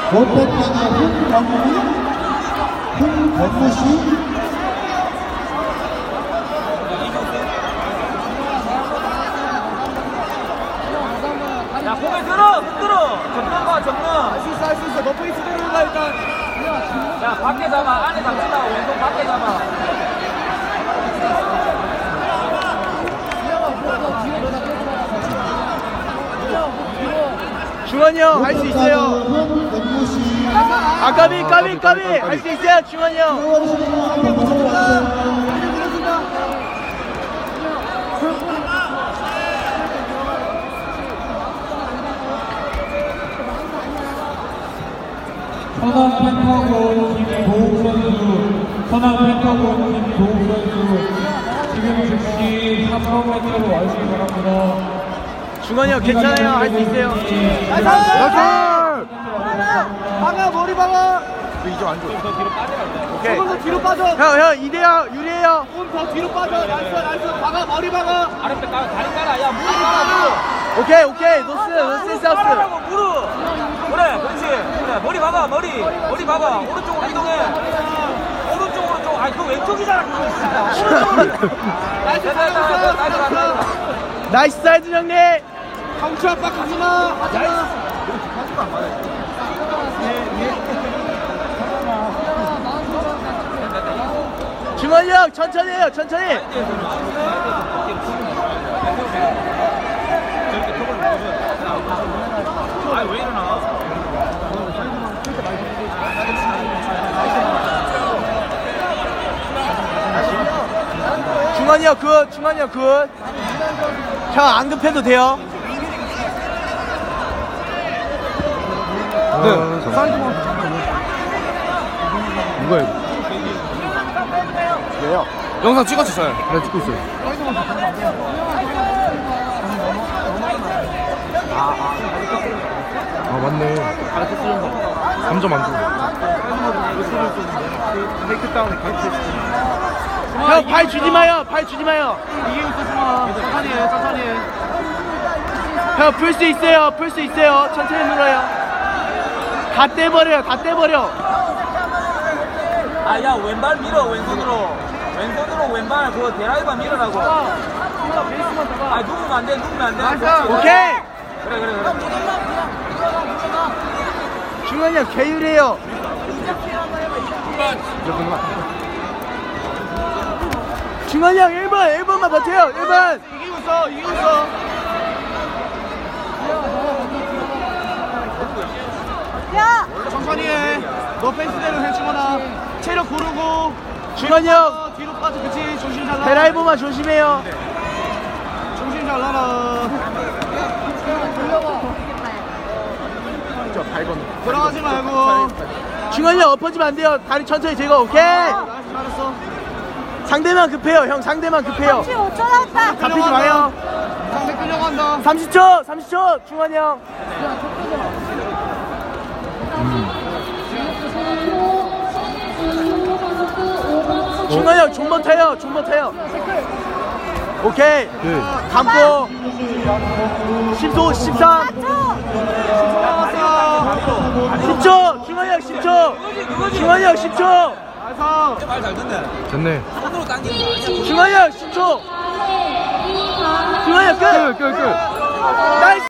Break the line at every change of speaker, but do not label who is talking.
롯데땅의 홍건무씨.
야, 고개 들어! 흔들어! 접는 봐, 접는! 할 수 있어, 할 수 있어. 너 페이스 들어온다, 일단. 야, 밖에 잡아. 안에 잡지 마. 왼손 밖에 잡아.
중원이 형 할 수 있어요. 아 까비 할 수 있어요 중원이 형.
선한 펜타곤 김도욱 선수, 선한 펜타곤 김도욱 선수, 지금 즉시 300m로 와주시기 바랍니다.
중원이 형 괜찮아요. 할 수 있어요.
박아, 머리 박아!
이제 안 줘.
더 뒤로 빠져야 돼.
오케이.
조금 더 뒤로 빠져.
형 이대요 유리해요.
조금 더 뒤로 빠져. 나이스, 나이스. 박아, 머리 박아. 아랫배 깔아, 다리 깔아. 야, 무릎 깔아, 무릎.
오케이 노스 사우스.
깔아라고, 무릎. 그래, 그렇지. 그래, 머리 박아, 머리 박아. 오른쪽으로 이동해. 오른쪽으로 좀. 아니, 그 왼쪽이잖아. 오른쪽으로. 나이스, 나이스.
나이스 사이드 형님.
강추 압박 하지 마.
중원이 형 천천히 해요 천천히.
아니, 왜 이러나?
중원이 형 굿. 중원이 형 굿. 형 안 급해도 돼요.
네. 누가 이거?
왜요?
영상 찍었었어요. 네, 찍고 있어요. 아, 맞네. 3점 안 주고.
형 발 주지 마요. 발 주지 마요.
이기고 있어, 마. 천천히 해, 천천히 해.
형 풀 수 있어요. 풀 수 있어요. 천천히 눌러요. 다 떼버려요. 다 떼버려.
아, 야, 왼발 밀어, 왼손으로 왼발 그거 대라이바 밀으라고. 아, 누우면 안 돼.
오케이.
그래.
중원이 형 개유리해요. 중원이 형 1번만 버텨요. 1번.
이기고 있어. 천천히 해. 너 페이스대로 해, 주원아. 체력 고르고.
중원이 형
뒤로 빠져, 그치? 조심 잘 나라.
드라이버만 조심해요.
조심 잘 나라. 들어가지 말고.
중원이 형 엎어지면 안 돼요. 다리 천천히 제거. 오케이.
알았어.
상대만 급해요. 형 상대만 급해요.
35초 남았다.
잡히지 마요.
상대 끌려간다.
30초. 중원이 형. 중원이 형 존버 타요. 오케이.
네.
감고 10초 13 10초 중원이 형 10초 중원이 형 10초
됐네.
중원이 형 10초 중원이 형 끝
끝.
나이스.